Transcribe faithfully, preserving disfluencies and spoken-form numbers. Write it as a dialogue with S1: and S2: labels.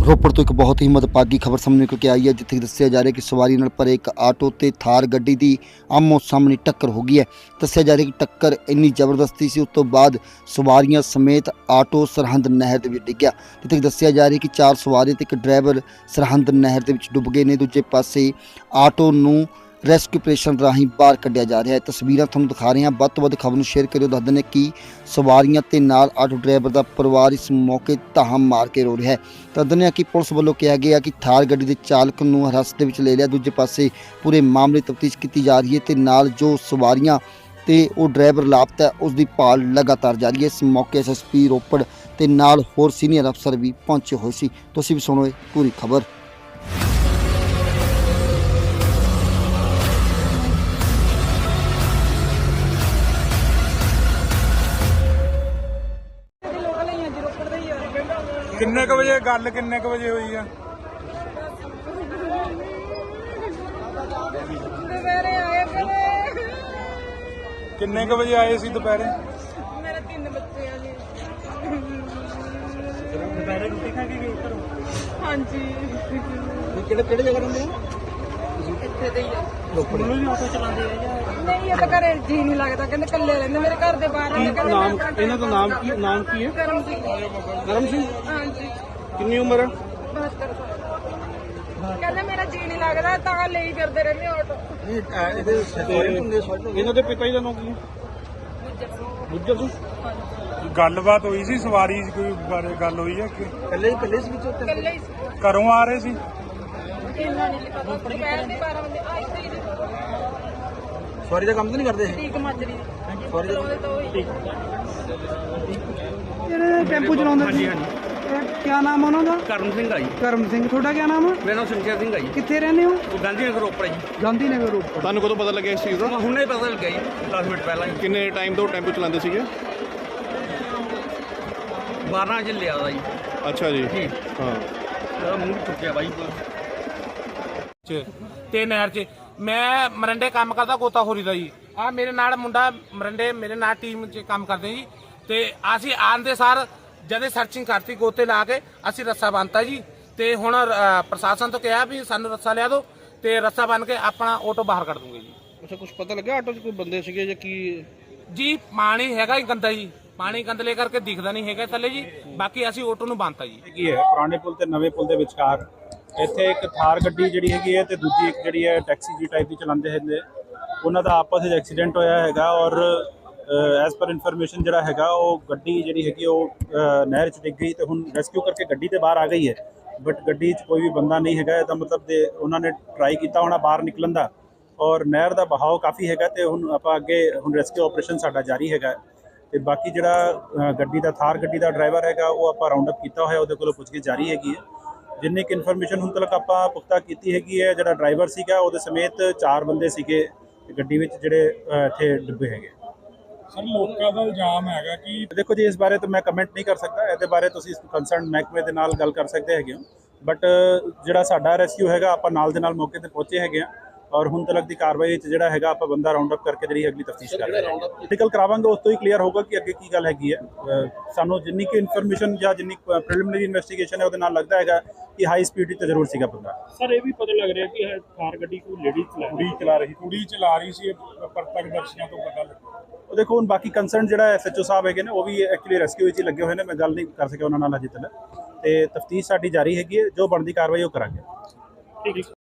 S1: ਰੋਪੜ ਤੋਂ ਇੱਕ ਬਹੁਤ ਹੀ ਮੰਦਭਾਗੀ ਖਬਰ ਸਾਹਮਣੇ ਨਿਕਲ ਕੇ ਆਈ ਹੈ, ਜਿੱਥੇ ਦੱਸਿਆ ਜਾ ਰਿਹਾ ਕਿ ਸਵਾਰੀ ਨਾਲ ਭਰੇ ਇੱਕ ਆਟੋ ਤੇ ਥਾਰ ਗੱਡੀ ਦੀ ਆਮੋ ਸਾਹਮਣੇ ਟੱਕਰ ਹੋ ਗਈ ਹੈ। ਦੱਸਿਆ ਜਾ ਰਿਹਾ ਕਿ ਟੱਕਰ ਇੰਨੀ ਜ਼ਬਰਦਸਤੀ ਸੀ, ਉਸ ਤੋਂ ਬਾਅਦ ਸਵਾਰੀਆਂ ਸਮੇਤ ਆਟੋ ਸਰਹੰਦ ਨਹਿਰ ਦੇ ਵਿੱਚ ਡਿੱਗਿਆ। ਜਿੱਥੇ ਦੱਸਿਆ ਜਾ ਰਿਹਾ ਕਿ ਚਾਰ ਸਵਾਰੀ ਤੇ ਇੱਕ ਡਰਾਈਵਰ ਸਰਹੰਦ ਨਹਿਰ ਦੇ ਵਿੱਚ ਡੁੱਬ ਗਏ ਨੇ। ਦੂਜੇ ਪਾਸੇ ਆਟੋ ਨੂੰ ਰੈਸਕਿਊ ਆਪਰੇਸ਼ਨ ਰਾਹੀਂ ਬਾਹਰ ਕੱਢਿਆ ਜਾ ਰਿਹਾ ਹੈ। ਤਸਵੀਰਾਂ ਤੁਹਾਨੂੰ ਦਿਖਾ ਰਹੇ ਹਾਂ, ਵੱਧ ਤੋਂ ਵੱਧ ਖਬਰ ਨੂੰ ਸ਼ੇਅਰ ਕਰਿਓ। ਦੱਸ ਦਿੰਦੇ ਕਿ ਸਵਾਰੀਆਂ ਤੇ ਨਾਲ ਆਟੋ ਡਰਾਈਵਰ ਦਾ ਪਰਿਵਾਰ ਇਸ ਮੌਕੇ ਧਾਹਾਂ ਮਾਰ ਕੇ ਰੋ ਰਿਹਾ ਹੈ। ਤਾਂ ਦੱਸਦੇ ਕਿ ਪੁਲਿਸ ਵੱਲੋਂ ਕਿਹਾ ਗਿਆ ਕਿ ਥਾਰ ਗੱਡੀ ਦੇ ਚਾਲਕ ਨੂੰ ਹਿਰਾਸਤ ਦੇ ਵਿੱਚ ਲੈ ਲਿਆ। ਦੂਜੇ ਪਾਸੇ ਪੂਰੇ ਮਾਮਲੇ ਤਫਤੀਸ਼ ਕੀਤੀ ਜਾ ਰਹੀ ਹੈ ਤੇ ਨਾਲ ਜੋ ਸਵਾਰੀਆਂ ਤੇ ਉਹ ਡਰਾਈਵਰ ਲਾਪਤਾ ਉਸ ਦੀ ਭਾਲ ਲਗਾਤਾਰ ਜਾਰੀ ਹੈ। ਇਸ ਮੌਕੇ ਐਸ ਐਸ ਪੀ ਰੋਪੜ ਤੇ ਨਾਲ ਹੋਰ ਸੀਨੀਅਰ ਅਫਸਰ ਵੀ ਪਹੁੰਚੇ ਹੋਏ ਸੀ। ਤੁਸੀਂ ਵੀ ਸੁਣੋ ਇਹ ਪੂਰੀ ਖਬਰ।
S2: किन्ने क बजे गल किन्ने क बजे हुई है?
S3: ਦੁਪਹਿਰੇ ਆਏ ਫਿਰ
S2: किन्ने क बजे आए सी दोपहरे?
S3: ਮੇਰੇ ਤਿੰਨ ਬੱਚੇ ਆ ਜੀ।
S2: दोपहरे रोटी खा के गए घरों?
S3: ਹਾਂਜੀ
S1: ਕਿਹੜੇ ਕਿਹੜੇ ਜਗ੍ਹਾ ਰਹਿੰਦੇ ਹੋ?
S3: ਇੱਥੇ ਦੇ ਹੀ ਆ।
S2: ਰੋਪੜ ਨੂੰ ਵੀ ਆਟੋ ਚਲਾਉਂਦੇ ਆ ਜਾਂ
S3: ਨਹੀਂ ਇਹ ਤਾਂ ਘਰੇ ਜੀ ਨਹੀਂ ਲੱਗਦਾ, ਕਹਿੰਦੇ ਇਕੱਲੇ ਰਹਿੰਦੇ। ਮੇਰੇ ਘਰ ਦੇ ਬਾਹਰ ਰਹਿੰਦੇ। ਕਹਿੰਦੇ
S2: ਨਾਮ
S3: ਮੈਂ
S2: ਇਹਨਾਂ ਦਾ ਨਾਮ ਕੀ ਨਾਮ ਕੀ ਹੈ?
S3: ਕਰਮ ਸਿੰਘ।
S2: ਕਰਮ ਸਿੰਘ।
S3: ਹਾਂਜੀ
S2: ਕਿੰਨੀ ਉਮਰ ਹੈ?
S3: ਬਹੱਤਰ ਸਾਲ। ਕਹਿੰਦੇ ਮੇਰਾ ਜੀ ਨਹੀਂ ਲੱਗਦਾ ਤਾਂ ਲਈ ਫਿਰਦੇ ਰਹਿੰਦੇ ਆਟੋ।
S2: ਇਹਨਾਂ ਦੇ ਪਿਤਾ ਜੀ ਦਾ ਨਾਮ ਕੀ ਹੈ? ਗੁੱਜਰ ਸਿੰਘ। ਗੱਲਬਾਤ ਹੋਈ ਸੀ ਸਵਾਰੀ ਕੋਈ ਬਾਰੇ ਗੱਲ ਹੋਈ ਹੈ ਕਿ
S1: ਇਕੱਲੇ ਇਕੱਲੇ ਸੀ ਵਿੱਚੋਂ?
S3: ਇਕੱਲੇ ਹੀ ਸੀ।
S2: ਘਰੋਂ ਆ ਰਹੇ ਸੀ?
S3: ਇਹਨਾਂ ਨਹੀਂ ਪਤਾ। ਦੁਪਹਿਰ ਦੇ ਬਾਰਾਂ ਵਜੇ ਆਈ ਸੀ ਜੀ।
S1: ਸਵਾਰੀ ਦਾ ਕੰਮ ਤਾਂ ਨਹੀਂ ਕਰਦੇ?
S3: ਠੀਕ ਮਾਜਰੀ
S1: ਸਵਾਰੀ ਦਾ
S3: ਉਹਦੇ ਤੋਂ ਹੀ
S4: ਜਿਹੜੇ ਟੈਂਪੂ ਚਲਾਉਂਦੇ ਸੀ, ਕੀ ਨਾਮ ਉਹਨਾਂ ਦਾ?
S5: ਕਰਮ ਸਿੰਘ ਆ ਜੀ।
S4: ਕਰਮ ਸਿੰਘ। ਤੁਹਾਡਾ ਕੀ ਨਾਮ ਆ?
S5: ਮੇਰਾ ਨਾਮ ਸ਼ਮਸ਼ੇਰ ਸਿੰਘ ਆ ਜੀ।
S4: ਕਿੱਥੇ ਰਹਿੰਦੇ ਹੋ?
S5: ਉਹ ਗਾਂਧੀ ਨਗਰ ਰੋਪੜ ਜੀ।
S4: ਗਾਂਧੀ ਨਗਰ ਰੋਪੜ।
S6: ਤੁਹਾਨੂੰ ਕਦੋਂ ਪਤਾ ਲੱਗਿਆ ਇਸ ਚੀਜ਼ ਦਾ?
S5: ਹੁਣੇ ਪਤਾ ਲੱਗਿਆ ਜੀ, ਦਸ ਮਿੰਟ ਪਹਿਲਾਂ ਹੀ।
S6: ਕਿੰਨੇ ਟਾਈਮ ਤੋਂ ਟੈਂਪੂ ਚਲਾਉਂਦੇ ਸੀਗੇ?
S5: ਬਾਰਾਂ ਵਜੇ ਲਿਆ ਦਾ ਜੀ।
S6: ਅੱਛਾ ਜੀ।
S5: ਜੀ
S6: ਹਾਂ।
S5: ਉਹਦਾ ਮੂੰਹ ਟੁੱਟਿਆ ਬਾਈ।
S7: ਤੇ ਨਹਿਰ 'ਚ ਮੈਂ ਮਰੰਡੇ ਕੰਮ ਕਰਦਾ ਗੋਤਾਖੋਰੀ ਦਾ ਜੀ। ਆ ਮੇਰੇ ਨਾਲ ਮੁੰਡਾ ਮਰੰਡੇ ਮੇਰੇ ਨਾਲ ਟੀਮ 'ਚ ਕੰਮ ਕਰਦੇ ਜੀ। ਤੇ ਅਸੀਂ ਆਉਣ ਦੇ ਸਾਰ ਜਦੇ ਸਰਚਿੰਗ ਕਰਤੀ, ਗੋਤੇ ਲਾ ਕੇ ਅਸੀਂ ਰੱਸਾ ਬੰਨਤਾ ਜੀ। ਤੇ ਹੁਣ ਪ੍ਰਸ਼ਾਸਨ ਤੋਂ ਕਿਹਾ ਵੀ ਸਾਨੂੰ ਰੱਸਾ ਲਿਆ ਦਿਓ ਤੇ ਰੱਸਾ ਬੰਨ ਕੇ ਆਪਣਾ ਆਟੋ ਬਾਹਰ ਕੱਢ ਦੂੰਗੇ ਜੀ।
S6: ਅੱਛਾ, ਕੁਝ ਪਤਾ ਲੱਗਿਆ ਆਟੋ 'ਚ ਕੋਈ ਬੰਦੇ ਸੀਗੇ ਜਾਂ ਕੀ?
S7: ਜੀ ਪਾਣੀ ਹੈਗਾ ਹੀ ਗੰਦਾ ਜੀ, ਪਾਣੀ ਗੰਦਲੇ ਕਰਕੇ ਦਿਖਦਾ ਨਹੀਂ ਹੈਗਾ ਥੱਲੇ ਜੀ। ਬਾਕੀ ਅਸੀਂ ਆਟੋ ਨੂੰ ਬੰਨਤਾ ਜੀ।
S2: ਕੀ ਹੈ ਪੁਰਾਣੇ ਪੁਲ ਤੇ ਨਵੇਂ ਪੁਲ ਦੇ ਵਿਚਕਾਰ ਇੱਥੇ ਇੱਕ ਥਾਰ ਗੱਡੀ ਜਿਹੜੀ ਹੈਗੀ ਹੈ ਤੇ ਦੂਜੀ ਇੱਕ ਜਿਹੜੀ ਹੈ ਟੈਕਸੀ ਜੀ ਟਾਈਪ ਦੀ ਚਲਾਉਂਦੇ ਹੁੰਦੇ, ਉਹਨਾਂ ਦਾ ਆਪਸ ਵਿੱਚ ਐਕਸੀਡੈਂਟ ਹੋਇਆ ਹੈਗਾ। ਔਰ ਐਜ਼ ਪਰ ਇਨਫੋਰਮੇਸ਼ਨ ਜਿਹੜਾ ਹੈਗਾ ਉਹ ਗੱਡੀ ਜਿਹੜੀ ਹੈਗੀ ਉਹ ਨਹਿਰ 'ਚ ਡਿੱਗ ਗਈ ਤੇ ਹੁਣ ਰੈਸਕਿਊ ਕਰਕੇ ਗੱਡੀ ਤੇ ਬਾਹਰ ਆ ਗਈ ਹੈ। ਬਟ ਗੱਡੀ 'ਚ ਕੋਈ ਵੀ ਬੰਦਾ ਨਹੀਂ ਹੈਗਾ। ਇਹਦਾ ਮਤਲਬ ਦੇ ਉਹਨਾਂ ਨੇ ਟਰਾਈ ਕੀਤਾ ਹੋਣਾ ਬਾਹਰ ਨਿਕਲਣ ਦਾ, ਔਰ ਨਹਿਰ ਦਾ ਬਹਾਓ ਕਾਫੀ ਹੈਗਾ ਤੇ ਹੁਣ ਆਪਾਂ ਅੱਗੇ ਹੁਣ ਰੈਸਕਿਊ ਆਪਰੇਸ਼ਨ ਸਾਡਾ ਜਾਰੀ ਹੈਗਾ। ਤੇ ਬਾਕੀ ਜਿਹੜਾ ਗੱਡੀ ਦਾ ਥਾਰ ਗੱਡੀ ਦਾ ਡਰਾਈਵਰ ਹੈਗਾ ਉਹ ਆਪਾਂ ਰਾਉਂਡ ਅਪ ਕੀਤਾ ਹੋਇਆ, ਉਹਦੇ ਕੋਲੋਂ ਪੁੱਛਗਿੱਛ ਜਾਰੀ ਹੈਗੀ ਹੈ। ਜਿੰਨੀ ਕਿ ਇਨਫੋਰਮੇਸ਼ਨ ਹੁਣ ਤੱਕ ਆਪਾਂ ਪੁਖਤਾ ਕੀਤੀ ਹੈਗੀ ਹੈ, ਜਿਹੜਾ ਡਰਾਈਵਰ ਸੀਗਾ ਉਹਦੇ ਸਮੇਤ ਚਾਰ ਬੰਦੇ ਸੀਗੇ ਗੱਡੀ ਵਿੱਚ ਜਿਹੜੇ ਇੱਥੇ ਡੁੱਬੇ ਹੈਗੇ। ਸਰ ਲੋਕਾਂ ਦਾ ਇਲਜ਼ਾਮ ਹੈਗਾ ਕਿ
S6: ਦੇਖੋ ਜੀ, ਇਸ ਬਾਰੇ ਤਾਂ ਮੈਂ ਕਮੈਂਟ ਨਹੀਂ ਕਰ ਸਕਦਾ। ਇਹਦੇ ਬਾਰੇ ਤੁਸੀਂ ਕੰਸਰਨ ਮਹਿਕਮੇ ਦੇ ਨਾਲ ਗੱਲ ਕਰ ਸਕਦੇ ਹੈਗੇ ਹੋ। ਬਟ ਜਿਹੜਾ ਸਾਡਾ ਰੈਸਕਿਊ ਹੈਗਾ ਆਪਾਂ ਨਾਲ ਦੇ ਨਾਲ ਮੌਕੇ ਤੇ ਪਹੁੰਚੇ ਹੈਗੇ ਆ ਔਰ ਹੁਣ ਤੱਕ ਦੀ ਕਾਰਵਾਈ ਵਿੱਚ ਜਿਹੜਾ ਹੈਗਾ ਆਪਾਂ ਬੰਦਾ ਰਾਉਂਡ ਅਪ ਕਰਕੇ ਜਿਹੜੀ ਅਗਲੀ ਤਫਤੀਸ਼ ਕਰ ਰਹੇ ਹਾਂ। ਮੈਡੀਕਲ ਕਰਾਵਾਂਗੇ, ਉਸ ਤੋਂ ਹੀ ਕਲੀਅਰ ਹੋਗਾ ਕਿ ਅੱਗੇ ਕੀ ਗੱਲ ਹੈਗੀ ਹੈ। ਸਾਨੂੰ ਜਿੰਨੀ ਕਿ ਇਨਫੋਰਮੇਸ਼ਨ ਜਾਂ ਜਿੰਨੀ ਪ੍ਰੀਲਿਮਿਨਰੀ ਇਨਵੈਸਟੀਗੇਸ਼ਨ ਹੈ ਉਹਦੇ ਨਾਲ ਲੱਗਦਾ ਹੈਗਾ ਕਿ ਹਾਈ ਸਪੀਡ ਤੇ ਜ਼ਰੂਰ ਸੀਗਾ ਬੰਦਾ।
S2: ਸਰ ਇਹ ਵੀ ਪਤਾ ਲੱਗ ਰਿਹਾ ਕਿ ਥਾਰ ਗੱਡੀ ਕੋਈ ਲੇਡੀ ਕੁੜੀ ਚਲਾ ਰਹੀ ਕੁੜੀ ਚਲਾ ਰਹੀ ਸੀ, ਪ੍ਰਤੱਖਦਰਸ਼ੀਆਂ ਤੋਂ ਪਤਾ ਲੱਗਾ।
S6: ਉਹ ਦੇਖੋ ਹੁਣ ਬਾਕੀ ਕੰਸਰਨ ਜਿਹੜਾ ਐਸ ਐਚ ਓ ਸਾਹਿਬ ਹੈਗੇ ਨੇ ਉਹ ਵੀ ਐਕਚੁਅਲੀ ਰੈਸਕਿਊ ਵਿੱਚ ਹੀ ਲੱਗੇ ਹੋਏ ਨੇ। ਮੈਂ ਗੱਲ ਨਹੀਂ ਕਰ ਸਕਿਆ ਉਹਨਾਂ ਨਾਲ ਅਜੇ ਤੱਕ, ਤੇ ਤਫਤੀਸ਼ ਸਾਡੀ ਜਾਰੀ ਹੈਗੀ ਹੈ। ਜੋ ਬਣਦੀ ਕਾਰਵਾਈ ਉਹ ਕਰਾਂਗੇ।
S2: ਠੀਕ ਹੈ।